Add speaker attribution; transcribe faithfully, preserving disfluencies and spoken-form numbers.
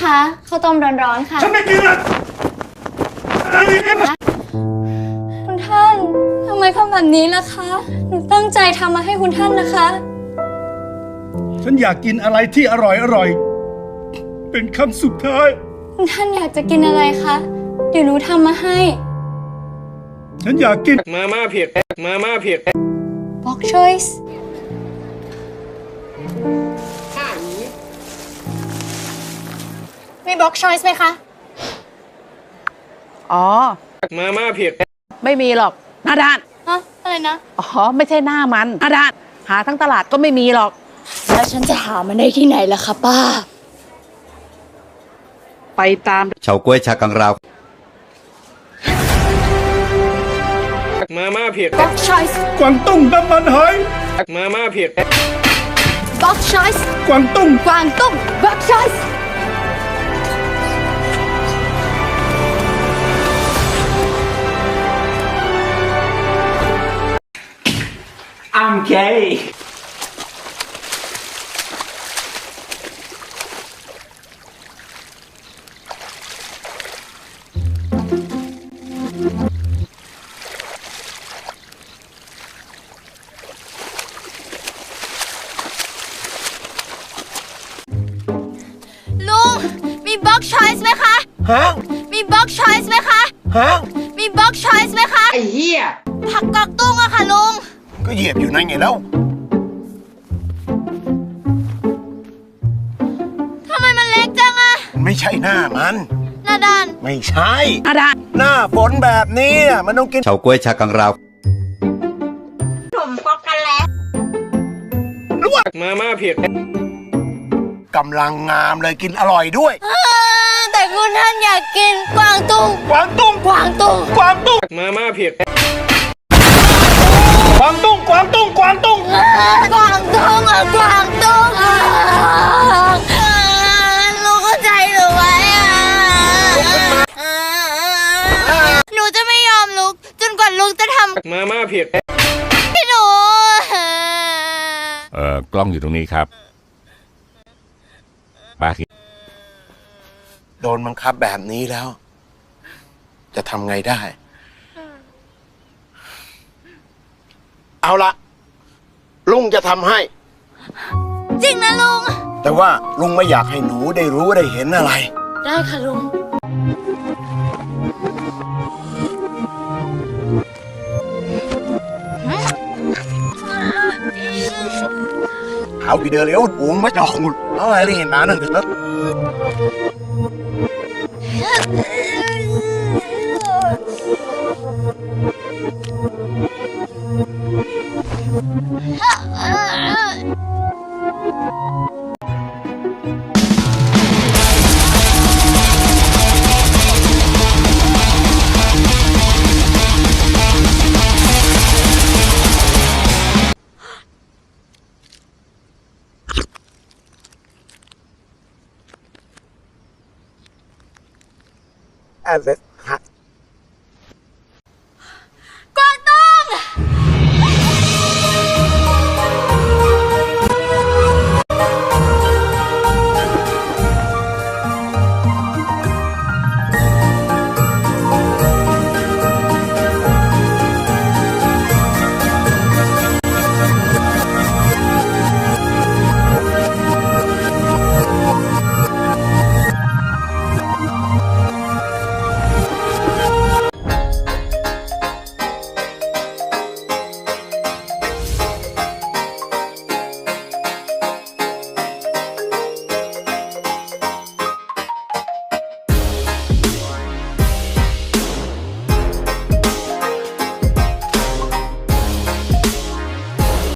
Speaker 1: คะข้าวต้มร้อนๆค่ะ
Speaker 2: ฉันไม่กินละ
Speaker 1: คุณท่านทำไมทำแบบนี้ล่ะคะหนูตั้งใจทำมาให้คุณท่านนะคะ
Speaker 2: ฉันอยากกินอะไรที่อร่อยอร่อยเป็นคำสุดท้าย
Speaker 1: คุณท่านอยากจะกินอะไรคะเดี๋ยวหนูทำมาให้
Speaker 2: ฉันอยากกิน
Speaker 3: มาม่าเผ็ดมาม่าเผ็ด
Speaker 1: Box Choice มี Box Choice ไหมคะ
Speaker 4: อ๋อ
Speaker 3: มาม่าเผ็ด
Speaker 4: ไม่มีหรอกหน้าด้าน
Speaker 1: ฮะอะไรนะ
Speaker 4: อ๋อไม่ใช่หน้ามันหน้าด้านหาทั้งตลาดก็ไม่มีหรอก
Speaker 1: แล้วฉันจะหามันได้ที่ไหนล่ะคะป้า
Speaker 4: ไปตาม
Speaker 5: เฉาก๊วยชากังราว
Speaker 3: มาม่าเผ็ด
Speaker 1: Box Choice
Speaker 2: กวางตุ้งน้ำมันหอย
Speaker 3: มาม่าเผ็ด
Speaker 1: Box Choice
Speaker 2: กวางตุ้ง
Speaker 1: กวางตุ้ง Box Choice
Speaker 6: I'm gay
Speaker 1: ลุงมี Box Choice ไหมคะ
Speaker 6: ฮะ
Speaker 1: มี Box Choice ไหมคะ
Speaker 6: ฮะ
Speaker 1: มี Box Choice ไหมคะ
Speaker 6: ไอ้เหี้ย
Speaker 1: ผักกอกตุ้งอะค่ะลุง
Speaker 2: ก็เหยียบอยู่นั่นไงแล้ว
Speaker 1: ทำไมมันเล็กจังอะ
Speaker 2: ไม่ใช่หน้ามัน
Speaker 1: หน้าด้าน
Speaker 2: ไม่ใช่
Speaker 4: หน้าด้าน
Speaker 2: หน้าฝนแบบนี้มันต้องกิน
Speaker 5: เฉาก๊วยชากังราว
Speaker 1: ผมก็กันแล้ว
Speaker 3: มาม่าเผ็ด
Speaker 2: กำลังงามเลยกินอร่อยด้วย
Speaker 1: แต่คุณท่านอยากกินกวางตุ้ง
Speaker 2: กวางตุ้ง
Speaker 1: กวางตุ้ง
Speaker 2: กวางตุ้ง
Speaker 3: มาม่าเผ็ด
Speaker 2: กวางตุ้งกวางตุ้งกวางตุ้ง
Speaker 1: กวางตุ้งอะกวางตุ้งลุงเข้าใจหรือไว้อะหนูจะไม่ยอมลุกจนกว่าลุงจะทำ
Speaker 3: มาม่าเผ็ด
Speaker 1: ให้หนู
Speaker 7: เอ่อกล้องอยู่ตรงนี้ครับป้าคิด
Speaker 2: โดนบังคับแบบนี้แล้วจะทำไงได้เอาละลุงจะทำให้
Speaker 1: จริงนะลุง
Speaker 2: แต่ว่าลุงไม่อยากให้หนูได้รู้ได้เห็นอะไร
Speaker 1: ได้ค่ะลุง
Speaker 2: เอาไปเดินเร็วอุ๋งไม่จอกหมดเอาอะไรเห็นมาหนึ่งเถอะ
Speaker 6: As it